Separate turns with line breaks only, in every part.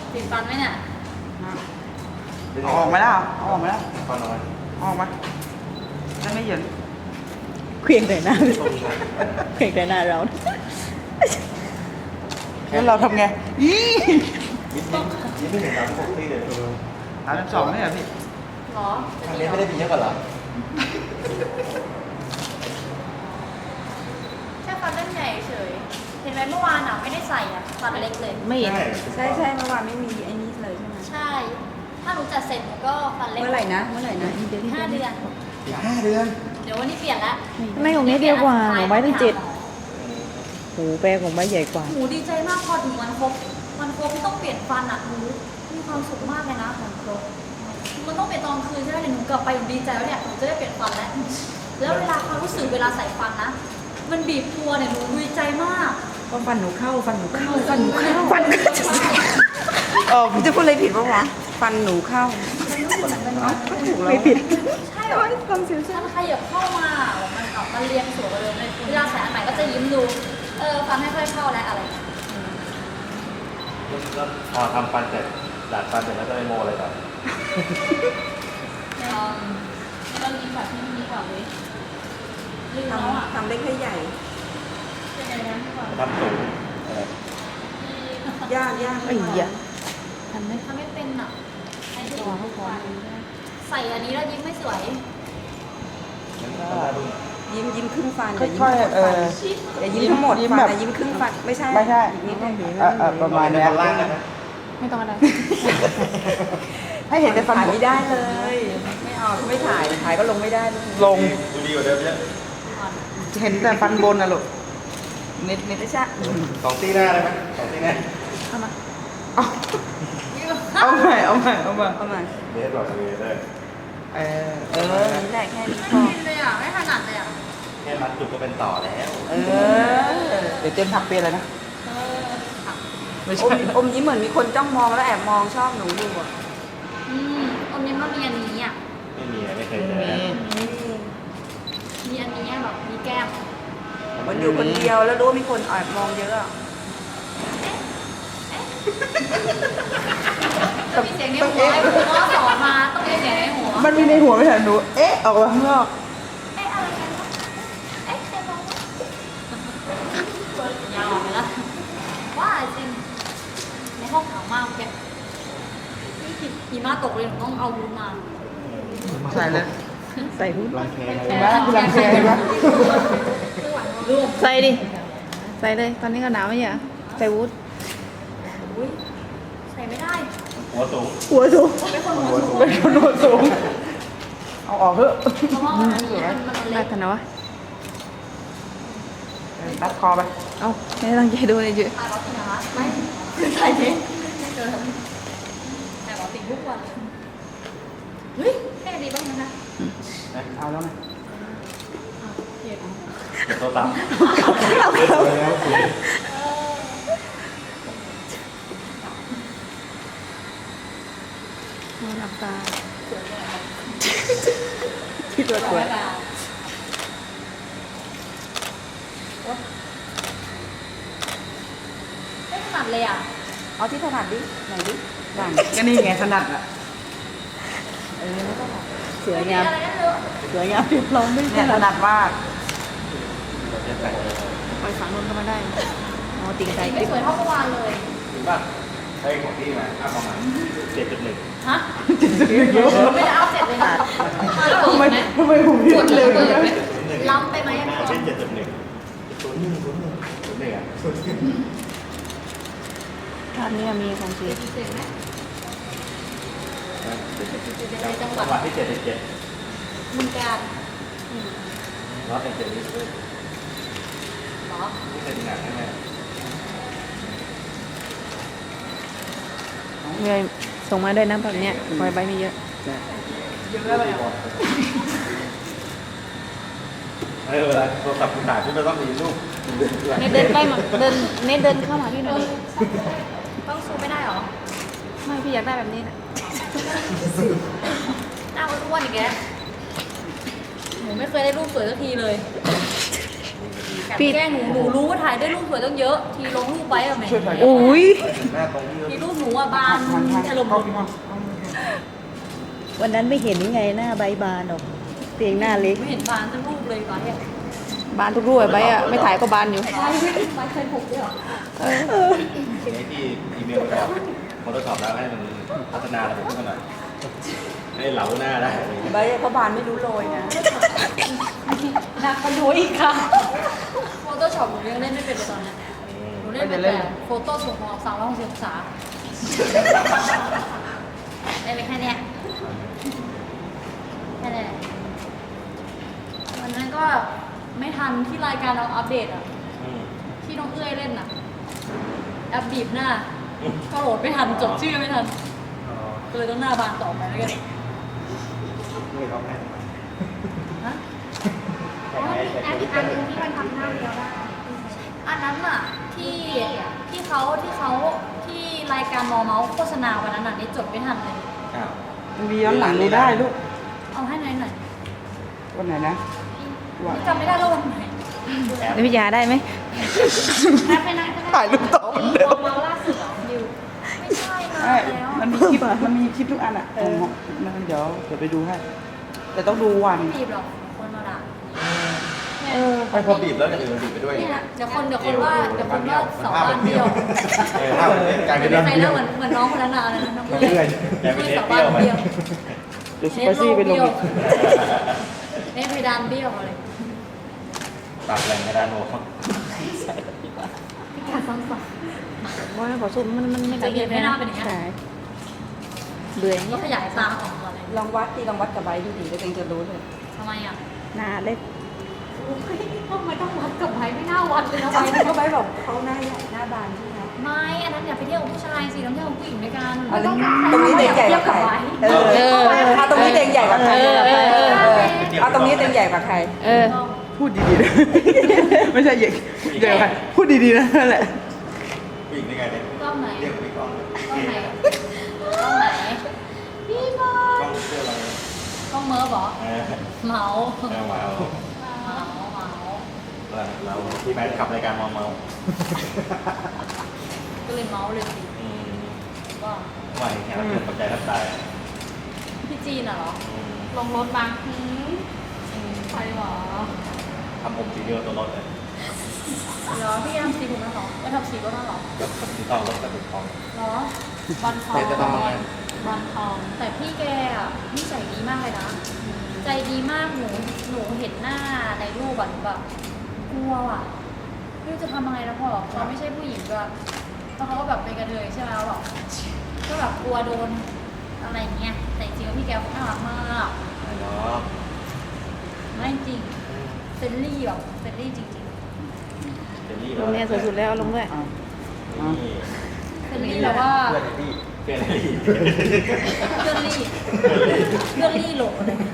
ติดฟันไหมเนี่ย
เอาออกมาแล้วเอาออกมาแล้ว
ฟันน้อย
เอาออกมาได้ไม่เหยิน
เคลียงแต่หน้าเคลียงแต่หน้าเรา
แล้วเราทำไงอี
ยิ้มไม่เห็นตามปกติเลย
32นี่เหรอพี่
หรอ
ทางนี้ไม่ได้มีเยอะกว่าเหรอ
แค่ฟันเล่นใหญ่เฉย เห็นไหมเมื่อวานอ่ะไม่ได้ใส่อ่ะฟันเล็กเลย
ไม่
ใช่
ใช่เมื่อวานไม่มีไอ้นี่เลยใช่ไหม
ใช่ ถ้าหนูจัดเสร็จหนูก็ฟันเล็ก
เมื่อไหร่นะเมื่อไหร่นะ
เดี๋ยว
5 เดือน
อีก5 เดือน
เดี๋ยววันนี้เปลี่ยนละ
ไม่ของนี้เดียวกว่าของไม้ตั้ง7โหแปลของไม้ใหญ่กว่า
หนูดีใจมากพอถึงวันครบที่ต้องเปลี่ยนฟันอ่ะหนูมีความสุขมากเลยนะวันครบมันต้องเปลี่ยนตอนคืนใช่ไหมเดี๋ยวหนูกลับไปหนูดีใจแล้วเนี่ยหนูจะได้เปลี่ยนฟันแล้ว แล้วเวลาความรู้สึกเวลาใส่ฟันนะ มันบีบตัวเนี่ยหนูดีใจมาก
ก็ฟันหนูเข้าฟันหนูเข้าฟันหนูเข้า
ฟันก็จะ
ผมจะพูดอะไรผิดปะวะฟันหนูเข้าก็ถูกแล้ว
ไม่ผิด
ใช่เหรอความสิวมันขยับเข้ามามันออกมาเรียงสวยกว่าเดิมเลย เวลาใส่อันใหม่ก็จะยิ้มดู ฟันไม่ค่อยเข้าแล้วอะไรอย่างเงี้ย
แล้วพอทำฟันเสร็จดัดฟันเสร็จแล้วจะไปโมอะไรต่อ
เรายิ้มแบบที่มันดีกว่าเลยลืมแล้วอ่ะ
ทำเล็กให้ใหญ่
เป็นไงนะพี่บอล
ทำสูงอะไร
ยาก
ไอ้เหี้ยทำไหม
ทำไม่เป็นอ่ะไอ้ที่
ลองให้พอ
ใส่อันนี้แล้วยิ้มไม่สวย
งั้นทำได้บึ้ง
ยิ้มครึ่งฟัน
ค่อยๆ
อย่ายิ้มทั้งหมด
ยิ้ม
ฟัน
แบบ
อย่ายิ้มครึ่งฟันไม่ใช่
ไม่ใช่
อีกนิดนึง
ประมาณเนี้ย
ฟันล่างกันนะ
ไม่ต้องอะไร
ให้เห็นแต่ฟัน
ถ่ายไม่ได้เลย ไม่เอาไม่ถ่ายก็ลงไม่ได้
ลง
ดูดีกว่าเดิมเยอะ
เห็นแต่ฟันบนนะลูกนิด
ไม่ใช่
2 ตีหน้าได้ไหม2 ตีหน้า
เอามา
เอาใหม่
ประมาณ
เดสบอกเลยได้
นี่แหละแค่นี้พ
ไม่
อ
กินเลยอ่ะ ไม่ถนัดเลยอ่ะ
แค่มัดจุกก็เป็นต่อแล้ว
เดี๋ยวเจมถักเปียอะไรนะไม่
อ
ใช่
มยิ้มเหมือนมีคนจ้องมองแล้วแอบมองชอบหนูอยู่อ่ะ
อมยิ้มก็มีอันนี้อ่ะ
ไม่มีไม่เคยเจอ
มีอันนี้แบบมีแก้ม
มันอยู่คนเดียวแล้วรู้ว่ามีคนแอบมองเยอะอะ
ต้องมีเสียงในหัวไอ้หัวสอนมาต้องมีเสียงในหัว
มันมีในหัวไม่ใช่หนูออกมาข้างนอก
อะไรกันวะใครมองวะยาวไปละว่าจริงในห้องหนาวมากแกหิมะตกเลยหนูต้องเอาวุ้นมา
ใส่เลย
ใส่หุ้น
รังแคอะไร
เห็นไหมคือรังแคเห็นไหม
ใส่ดิ ใส่เลย ตอนนี้ก็หนาวไม่ใช่เหรอใส่วุ้น
ใส่ไม่ได้
หัวสูง
หัวสูง
เป็นคนหัวสูง
เป็นคนโดนสูงเอาออกเถอะ
เพราะว่าอันนี้มัน
น่า
เล็ก
ทันนะวะ
รัดคอไป
เอาไม่ตั้งใจดูเลยจื
ถ่ายบอสติงนะคะไม่ถ่ายเองถ่ายบอสติงทุกวันเลยเฮ้ยแค่ดีบ้างนะคะ
เอาแล้วไง
เห็น
ตัวต่ำแล้วสูง
หลับตาคิดว่าสวย
ไม่ถนัดเลยอ่ะ
เอาที่ถนัดดิไหนดิด่าน
ก็นี่ไงถนัดอ่ะ
สวยงาม
อะไรนั่นเลย
สวยงามเรียบร้อยไม่
เนี่ยถนัดมาก
ปล่อยฝังนนเข้ามาได้อ๋อติ่งใจ
ไม่สวยเท่าเมื่อวานเลย
จริงป่ะใช่ของพี่มาอัพประมาณ7.1
ฮะไม่ได้เอาเสร็จเลยนะมาแล้ว
ทำไมผมเรียนเร็วอย่างนี้
ล้ำไปไหมอ่ะ
เป็
พี่
น0.1อ่ะ
ภาพนี้มีของจริง
เสร็จไหมในจังห
จังห
วั
วั
ด
ดที่7.7
บึงกาฬ
ร้อยเป็น7นี่
เหรอ
ที่เป็นหนักใช่ไหม
เงยส่งมาด้วยนะแบบเนี้ยปล่อยใบไม่เยอะ
เวลาโทรศัพท์คุณถ่ายพี่ไม่ต้องมีรูป
เนทเดินไปมาเดินเนทเดินเข้ามาพี่หน่อยดิ
ต้องซูมไม่ได้เหรอ
ไม่พี่อยากได้แบบนี้นะ
หน้าอ้วนๆอีกแกหนูไม่เคยได้รูปสวยสักทีเลย
พี่
แกล้งหนูรู้ว่าถ่ายได้รูปสวยตั้งเยอะ ทีลงรูปไปอะแม่
ช่วยถ่าย
อุ้ย
หน้าตรงนี้
ทีรูปหนูอะบาน
ทาง
อารมณ์
เข้าพี่ห้อง
วันนั้นไม่เห็นยังไงหน้าใบบานหรอกเตียงหน้าเล็ก
ไม่เห็นบานทั้งรูปเลยไปอะ
บานทุกรูปไว้อะไม่ถ่ายก็บานอยู่
ไปเคยถูกด้วยเหรอ
ไอ้ที่อีเมลไปบอกพอทดสอบแล้วให้มันพัฒนาระบบขึ้นมาหน่อยให้เหลาหน้าได้
ใบเขาบานไม่รู้โรยนะ
หนักกว่าหนูอีกค่ะโฟโต้ช็อปหนูยังเล่นไม่เป็นเลยตอนนี้หนูเล่นเป็นแต่โฟโต้ส่งของ360องศาได้ไปแค่เนี้ยแค่นี้วันนั้นก็ไม่ทันที่รายการเราอัปเดตอ่ะ ที่น้องเอื้อยเล่นน่ะแอปบีบหน้า ก็โหลดไม่ทันจดชื่อไม่ทัน ก็เลยต้องหน้าบานต่อไปแล้วกัน
ไม่ร้องไห้
ฮะ
แอปอีกอันนึงที่มัน
อันนั้นน่ะที่เขาที่รายการมอเมาส์โฆษณาวันนั้นน่ะนี่จดไม่ทันเลย
อ้าว
มันมีย้อนหลังดูได้ลูก
เอาให้หน่อย
วันไหนนะ
นี่จำไม่ได้แล้ววันไหน
แล้วพี่ยาได้ไหม
แอปไปนั่งก็ได้
ถ่ายรูปต่อเหมือนเดิม
มอเมาส์ล่าสุดเหรอดิวไม่ใช่นะ
ใช่
แล้ว
มันมีคลิปทุกอันอ่ะมันเดี๋ยวไปดูให้ แต่ต้องดูวัน
ไม่บีบหรอกคนมาด่า
ไม่พอบีบแล้วอย่างอื่นมันบีบไปด้วย
เนี่ยเดี๋ยวคนว่าสองบ้านเดียว
ภาพมันเนี่ยกลายเป็น
ไม่
เรื่อง
ใช่
เดี
แล้
ยว ว
เหมือนน้องคนนั้นน่ะอะไรนะน้อง
เพื่อนกลายเป็นเทปเดียวไป
เดี๋ยวสไปซี่ไปลงอีก
เนี่ยเพดานเบี้ยวอะไร
ปรับแรงกระดานโน้ต
พิการซ้ำซ้
ว่าขอซูมมันไม่
จะเห็นไม่น่าเป็นอย่างนี้
ใช่เบื่ออย่าง
ก็
เงี้ย
ขยายตาออกมาเลย
ลองวัดกับใบดูดิแล้วเองจะรู้เลย
ทำไมอ่ะ
หน้าเล็ก
ทำไมต้องวัดกับไม้ไม่น่าวัดเลยนะ
ใบ
ไม้
เขาใบบอกเขาหน้าใหญ่หน้าบานใช่ไหม
ไม่อันนั้นอย่าไปเที่ยวกับผู้ชายสิต้องเที่ยวกับผู้หญิงด้วยกัน
อันนี้ตรงนี้เต็งใหญ่กว่าใครเอาตรงนี้เต็งใหญ่กว่าใครเอาตรงนี้เต็งใหญ่กว่าใคร
พูดดีๆนะ ไม่ใช่เด็กเดี๋ยวใครพูดดีๆนะนั่นแหละ
ผู้หญิงได้ไงเนี่ย
กล้องไหน
เรียกพี่กล้อง
กล้องไหนกล้องไหนพี่บอก
ล้องเสื้ออะไร
กล้องเมิร์ฟเหรอเหมา
ว้าว เราที่แมทขับรายการเมา
ก็เลยเมาเลยสิว่า
ว่าแข่งเกิดปัจจัยรับตาย
พี่จีนเหรอลงรถมาใครหรอ
ทำผมสีเดียวตัวรถเลย
เหรอพี่ทำสีผมนะหรอไม่ทำสีก็น่าหรอ
กับสีทองรถกระตุกทอง
เหรอบันทอง
เดี๋ยวจะทำอะไร
บันทองแต่พี่แกอ่ะนิสัยดีมากเลยนะใจดีมากหนูเห็นหน้าในรูปแบบแบบกลัวอ่ะไม่รู้จะทำยังไงแล้วพอเขาไม่ใช่ผู้หญิงด้วยแล้วเขาก็แบบเป็นกระเทยใช่ไหมแล้วแบบก็แบบกลัวโดนอะไรอย่างเงี้ยแต่จริงๆพี่แกน่ารักมาก
เนาะ
ไม่จริงเฟรนลี่แบบเฟรนลี่จริง
เจนนี่
ลงเนี่ยสวยสุดแล้วเอาลงด้วย
นี่
ๆเฟรนลี่แบบว่า
เพื่อนที่เพื่อนที่
เพื่อนลี่เพื่อนลี่หลงอะไรเนี่ย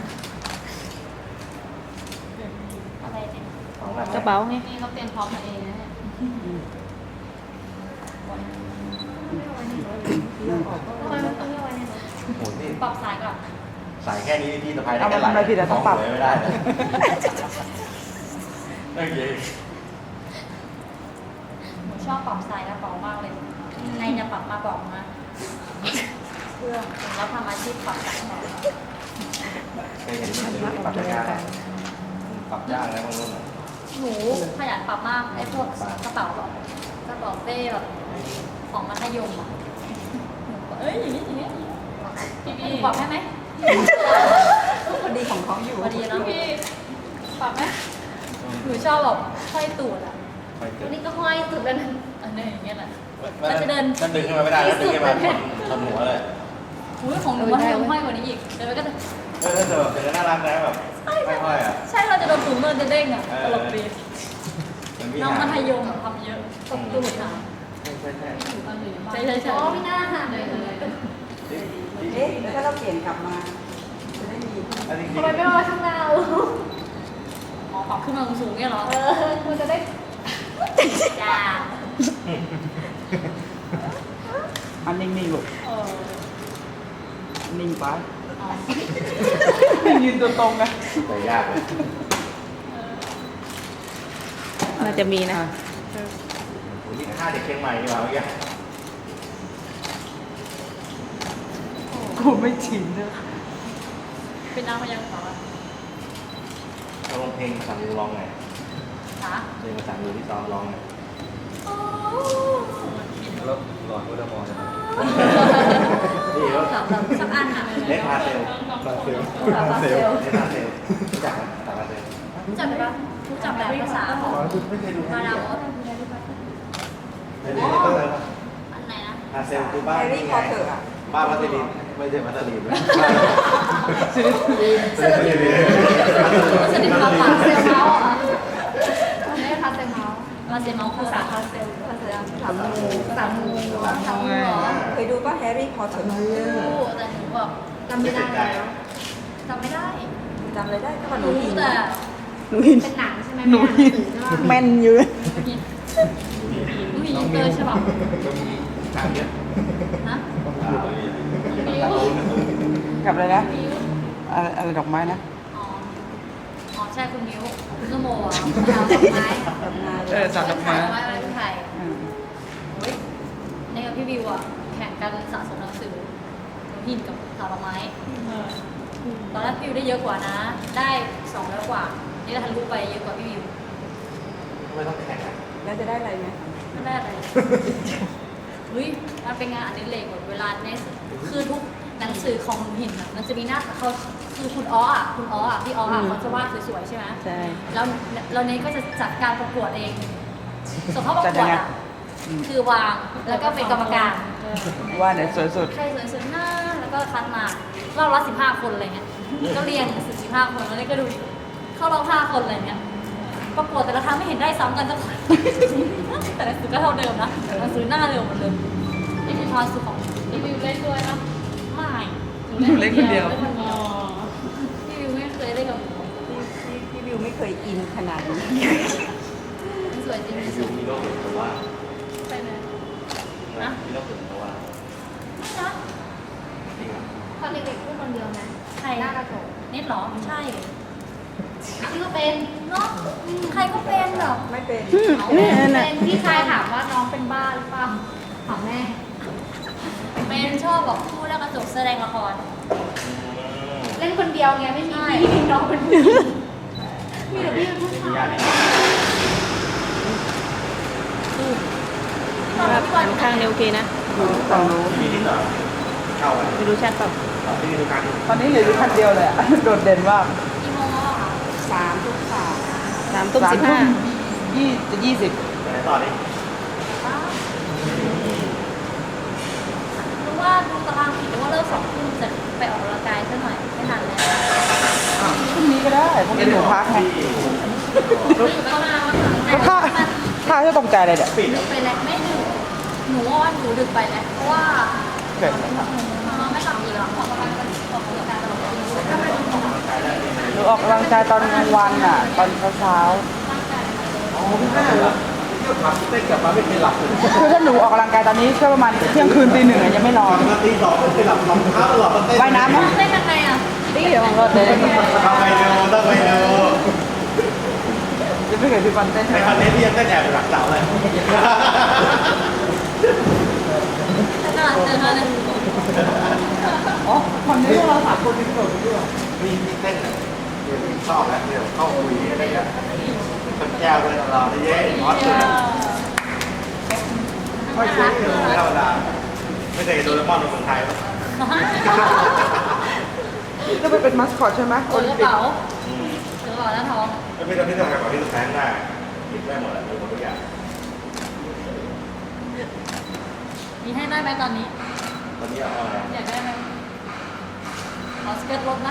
อะไรเนี่ย
กระเป๋าไง
นี่เขาเตรียมพร้อมมาเองนะเนี่ยต้องไปต้องเรียกไว้เนี่ย
โอ้โหนี่
ปรับสายก่อน
สายแค่นี้พี่สะพายได้
เอา
แค่
มาทำอะไรผิดอะต้องปรับ
เลยไม่ได้เลยโอเค
หนูชอบปรับสายกระเป๋ามากเลยใครจะปรับมาบอกนะเครื่องแล้วทำอาชีพปรับสายหน่อย
เคยเห็นเดี๋ยวนี้ปรับยากนะปรับยากนะบางรุ่นอะ
หนูขยันปรับมากไอ้พวกกระเป๋าแบบกระเป๋าเป้แบบของมัธยมอะเอ้ยอย่างนี้พี่ปรับให้ไหม
พอดีของเขาอยู่
พอดีเนาะพี่ปรับไหมหนูชอบแบบห้อยตูดอ่ะ
ไปเจ
วั
อน
นี้ก็ห้อยตูดแล้วนะอันนี้อย่างเงี้ยแหละ
มันจะดึงขึ้นมาไม่ได้แล้วดึงขึ้นมาทำหัวเลย
อุ้ยของหนูมัธยมห้อยกว่านี้อีกเดี๋ยวมันก็จะ
แต่แบบเป็นน่ารักนะแบบไม่ค่อยอ่ะ
ใช่เราจะโดนถุงมือจะเด้งอ่ะตลกดี
เป็นพี่
น้อง
หา
มัธยมทำเยอะตบตูดค่ะ
ใช่
ใช่อ๋อพี่หน้าค่ะ
เอ๊ะแล้วถ้าเราเปลี่ยนกลับมา จะได้มี
อันนี้
ทำไมไม่มาข้างหน้าอ๋อปรับขึ้นมาสูงๆเนี่ยเหรอมันจะได้จ้า
อันนิ่งๆลูกนิ่งไป
อ๋อ
ยืนตัวตรงนะ
แต่ยากเลย
น
น่าจะมีนะ
โอ้ยนี่5เด็กเชียงใหม่ดีกว่าเมื่อกี้
กูไม่ชินเลย
เป็นนางพยางค์ต่อ
เราลองเพลงภาษามือร้องไง
นะ
เพลงภาษามือที่ซ้อมร้องไงแล้วหลอดก็จะมองนะนี่แล้ว
สักอันอ่ะ
เล็กพาเซลพาเซลเซลเล็กพาเซลรู้จักไหมพาเซล
รู้จักไหมปะรู้จักแบบภาษาของ
ไม่เคยดู
มาดามอส
ไม่ได้ก็เลย
อันไหนนะ
พาเซลคือบ้าน
แฮร์รี่พอตเตอร์อ่ะ
บ้านวัตถุดิบไม่ใช่วัตถุดิบ
ซิลิคูลิน
สนิทกับพาเซลเมาส์อ่ะไม่พาเซลเมาส์พาเซลเมาส์ภาษาพาเซลภาษาภาษางูภาษางูภาษางูเหรอ
เคยดูป่ะแฮร์รี่พอตเตอร์
รู้แต่หนูแบบจำไม่ได้แล้วจำไม่ได้
จำเลยได้ก็ว่าหนู
รู้
หิน
แต่
หนูหิน
เป็นหนังใช่ไหม
หนูหิน
แม่นอยู่
หนูหินเตอร์ใช่ป่ะ
ถามเนี้ย
ฮะ
กับอะไรนะ
มิว
อะไรดอกไม้นะ
อ๋ออ๋อใช่คุณมิวคุณสมโมอ่ะดาวดอกไม้
ทำงาน
สาวดอกไม้
ดอกไม้อะไรที่ไทย
อืม
เฮ้ยในกับพี่วิวอ่ะแข่งกันสะสมหนังสือหนูหินกับสาวดอกไม้ตอนแรกพี่วิวได้เยอะกว่านะ ได้200กว่านี่ก็ทะลุไปเยอะกว่าพี่วิว
ไม่ต้องแข่งอ่ะ
แล้วจะได้อะไรไหม
ไม่ได้อะไรเฮ้ยมันเป็นงานอดิเรกแบบเวลาเนสคือทุกหนังสือของหนูหินอ่ะมันจะมีหน้าเขาคือคุณอ้ออ่ะพี่อ้ออ่ะเขาจะวาดสวยๆใช่ไหม
ใช่
แล้วเนสก็จะจัดการประกวดเองส่งเข้าประกวดอ่ะคือวางแล้วก็เป็นกรรมการ
ว่าไหนสวยสุด
ใครสวยสุดหน้าแล้วก็คัดมารอบละ15 คนอะไรเงี้ยก็เรียง15 คนแล้วเนสก็ดูเข้ารอบ5 คนอะไรเงี้ยประกวดแต่ละครั้งไม่เห็นได้ซ้ำกันสักคน แต่หนังสือก็เท่าเดิมนะหนังสือหน้าเดิมหมดเลยนี่คือความสุขของพี่วิวเล่นด้วยนะไม่
หนูเล่นคนเดียว
พี่วิวไม่เคยเล่นกับหนู
พี่วิวไม่เคยอินขนาดนี้
มันสวยจริง
มีมีโรคส่วนตัว
ไปไหน
นะมีโรคส่วนตัว
ไม่นะ
จริงอ่ะ
ตอนเด็กๆพูดคนเดียวไหม
ใคร
หน้ากระจก
นิดหรอใช่
พี่ก็เป็น
เนาะใครก็เป็นแบบ
ไม่เป็น
แม่น่ะ
เป็นพี่ชายถามว่าน้องเป็นบ้าหรือเปล่าถามแม่
เป็นชอบแบบพูดแล้วกระจกแสดงละคร
เล่นคนเดียวไงไม่มีพี่มีน้องเป็นผู้หญิงมีแต่พี่เป็นผู้
มี
ชา
ญาย ติ
หันข้างเนี่ยโอเคนะ
ฝั่งนู้น
มีนิดหน่อยเข้าอ่ะ
ไม่รู้ชัดเปล่า
ที่ดูการ
ตอนนี้เหลืออยู่คันเดียวเลยอะ โดดเด่นมาก
กี่โมงแล้วอะคะ
3 ทุกสาม
3 ทุ่ม
20
ไหนต่อดิ
รู้ว่าดูตารางผิดหรือว่าเลิก2 ทุ่มจะไปออกกำลังกายซะหน่อยไม่ทันเลย
พรุ่งนี้ก็ได้พรุ่งนี้หนูพักไง
อยู่ก็มาว่า
ก็ถ้าจะตกใจอะไรเนี่ย
ปิด
ดึกไปแล้วไม่ดึกหนูว่าหนูดึกไปแล้วเพราะว่า
เกิด
มันไม่ทำอีกหรอกออกกำลังกายตลอด
หนูออกกำลังกายตอนกลางวันอ่ะ ตอนเช้า
อ๋อพี่แม่เหรอเที่ยวขับเต้นกลับมาไม่เคยหลับเลย
ๆคือถ้าหนูออกกำลังกายตอนนี้ก็ประมาณเที่ยงคืนตี 1อะยังไม่นอน
มาตี 2ไม่เคยหลับรองเท้าตลอดมาเต้น
ว่ายน้ำไหม
เต้นยังไงอ่ะ
ดีเดี๋ยวมันรถเลย
ทำไมเร็วต้องไปเร็ว
จะไม่เคยพี่ฟันเต้น
ในคอนเทนต์ที่ยังเต้นแอบหลักเสาเลย
ขนาดเจอเลย
อ๋อคนนี้พวกเรา3 คนที่โดดไปด้วย
มีเต้นอ่ะชอบแล้วเดี๋ยวเข้าคุยอะไรเงี้ยคนแก้วเลยเราที่เย้มอสเลยไม่ใช่ไม่ธรรมดาไม่เคยโดนมอนในเมืองไทย
จะไปเป็นมัสคอตใช่ไหม
โอ้ยกระเป๋าถือกระเป๋าหน้าท้อง
ไม่เป็นที่ต้องการของที่ต้องการได้หยิบได้หมดแหละหมดทุกอย่าง
มีให้ได้ไหมตอนนี้
ตอนนี้เอาอะไร
อยากได้ไหมเอาสเกิร์ตลดนะ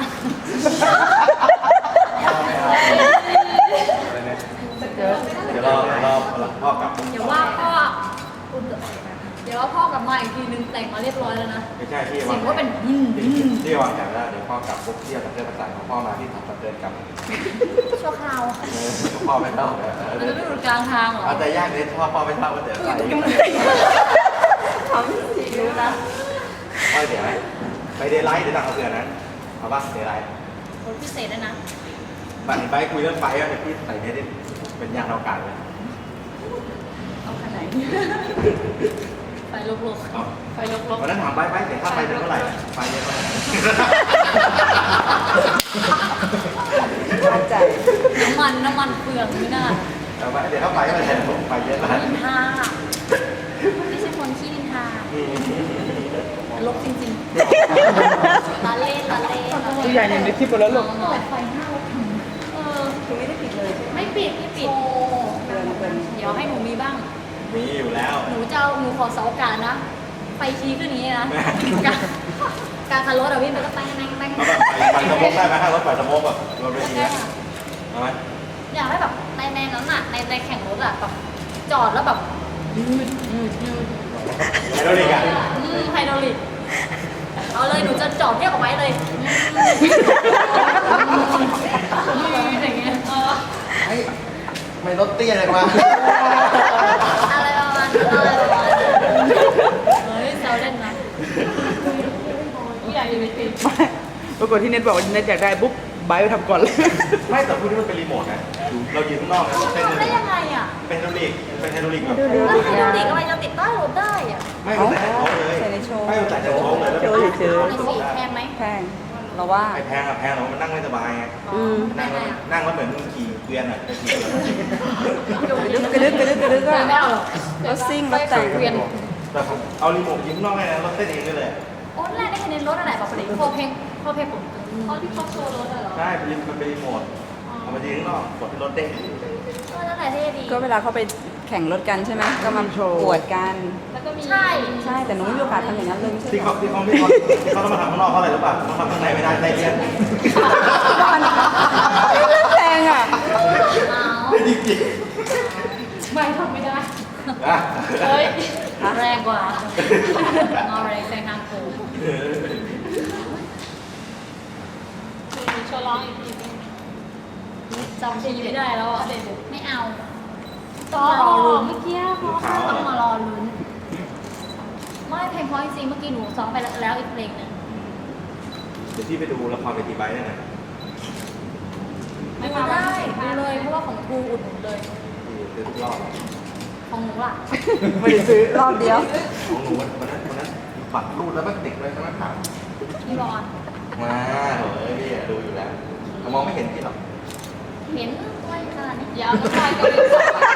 เดี๋ยวรอพ่อกลับ
เดี๋ยวว่าพ่อเดี๋ยวว่าพ่อกลับมาอีกทีนึงแต่งมาเรียบร้อยแล้วนะ
ไม่ใช่ที่
เสียงก็เป็น
ที่วางแผนแล้วเดี๋ยวพ่อกลับปุ๊บเที่ยวกับเพื่อนประสานของพ่อมาที่ทำกับเพื่อนกลับ
ชั่วคราว
พ่อไม่เท่า
มันจะไม่หลุดกลางทางเหรอ
เอาแต่ยากเลยพ่อไม่เท่าก็เดี๋ยวใส่
ทำสิรู้นะ
พ่อเดี๋ยวไหมไปเดย์ไลท์เดี๋ยวตังค์เอาเพื่อนนั้นเอาป่ะเดย์ไลท์
รถพิเศษด้วยนะ
บัตรไปคุยเรื่องไฟอ่ะเดี๋ยวพี่ใส่เนี่ยเป็นยานอวกาศเลย
เอาขนาดไหนไฟลุก
เอา
ๆไฟลุก
วันนั้นถามไปเดี๋ยวค่าไฟเดือนเท่าไหร่ไฟเยอะไหม
มั่นใจ
ๆน้ำมันเปลืองไม่น่า
เอาไปเดี๋ยวค่าไฟไม่แทนผมไฟเยอะไหม
นินทาไม่ใช่คนขี้นินทาลบจริงๆตาเล่น
ผู้ใหญ่เนี่ยในคลิปไปแล้วลูก
เปิดไฟหน้ารถ
คือไม่ได้ปิดเลยใช่ไหม
ไม่ปิดเดี๋ยวให้หนูมีบ้าง
มีอยู่แล้ว
หนูขอเสาอากาศนะ ไฟชี้ขึ้นอย่างนี้นะ การขับรถอะพี่มันก็แป้ง
เอาแบบไฟสโมกได้ไหมถ้ารถไฟสโมกแบบรถเวทีนะเอาไหม
อยากให้แบบในนั้นอะในแข่งรถอะแบบจอดแล้วแบบยืด
ไฮโดรลิกอ่ะ
ไฮดรอลิกเอาเลยหนูจะจอดเรียกออกไว้เลยอย่างเงี้ย
เฮ้ยไม่รถเตี้ยเลยวะ
อะไรประมาณนั้นเฮ้ยแซวเล่นนะผู้ใหญ่อยู่ในทีม
ปรากฏที่เน็ตบอกว่าเน็ตอยากได้ปุ๊บไบร์ทไปทำก่อนเลย
ไม่แต่พูดนี่มันเป็นรีโมทนะเรายืนข้างนอกนะเป็น
ทำได้ยังไงอะ
ไฮโดรลิกเป็นไฮโดรลิกแบบ
แล้วไฮดรอลิกอะไรจะติดใต้รถได้อะ
ไม่ใส่ในโชว์เลย
ใส่ในโชว์
ไม่ใส่ในโชว์เลยแล้ว
โชว์เฉย
เอาเลยสิแพงไหม
แพงเราว่า
ไอ้แพงอะแพงแต่ว่ามันนั่งไม่สบายไง นั่งแล้วเหมือนมึงขี่เกวียนอ่ะขี่เกวียน
กระดึกก็
ไม่เอาหรอก
รถซิ่งรถแต่ง
เวียน
แต่ผมเอารีโมทยิงนอกให้นะรถเต้นเองได้เลย
โอ้แรกได้คะแนนรถอะไรแบบนี้พอเพลงผมเขาที่เขาโชว์รถเหรอ
ใช่มันเป็นรีโมทเอามายิงข้างนอกกดที่รถเด้ง
นั่นแหละเท่ดี
ก็เวลาเขาไปแข่งรถกันใช่ไหมก็มาปวดกัน
แล้วก็มี
ใช่
ใช่แต่หนูไม่มีโอกาสทำอย่างนั้นเลยไม่ใช่
ที่
เหรอ
เขาต้องมาทำข้างนอกเพราะอะไรรู้ป่ะเขาทำข้างในไม่ได้ได้เลี่ยน
แพงอ่ะ
เอา
จริง
ไม่ทำไม่ได้
ๆนะ
เฮ้ย
แรงกว่าเอาอะไรแซงทางโค้ง
มีโชว์ร้องอีกทีนึง
จำทีไม่ได้แล้วอ่ะไม่เอา
ต่อเมื่อกี้พอ
ขาว
ต้องมารอลุ้นไม่เพลงเพราะจริงๆเมื่อกี้หนูซ้อมไปแล้วอีกเพลงหนึง
เดี๋ยวพี่ไปดูละครเวทีไบค์ได้ไหม
ดูได้ดูเลยเพราะว่าของครูอุดหนุนเลย
ดูทุกรอบ
ของหนูล่ะ
ไม่ได้ซื้อรอบเดียว
ของหนูวันนั้นปัดรูดแล้วมันติดเลยใช่ไหมครับ
พี่บอล
มาเฮ้ยพี่ดูอยู่แล้วมองไม่เห็นพี่หรอก
เห็นไว้ขนาดนี้
ยาวน้ำลายก็เป็น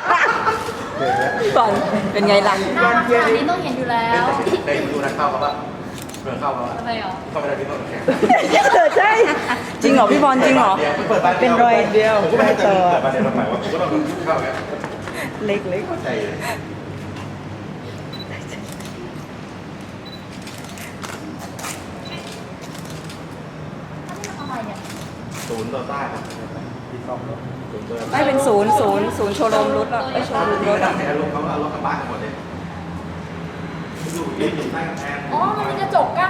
ก่อนเป็นไงล่ะ
หน้าขนาดนี้ต้องเห็นอยู่แล้ว
ได้ดูนักเข้าเขาปะเปิดเข้าเขา
ทำไมเหรอ
เข้าไม่ได้พี่ต้องแข่ง
ใช่
จริงเหรอพี่บอลจริงเหรอ
เปิดบาน
เป็นรอยเดียว
ผมก็ไม่ให้เปิดบานเดียวทำไมวะผมก็ต้องเข้าไง
เล็ก
เข้าใจเลย
ทำไมเนี่ย
ศูนย์ต่อต้านที่ซ่อมรถศูนย์ตัว
ไม่เป็นศูนย์โชว์รูมรถอ่ะไอโชว์รูมรถอ่ะ
ให้รถเขาเอารถกระบะหมดเลยดูยืนอยู่ใต้กำแพง
อ๋อมันมีกระจกกั้น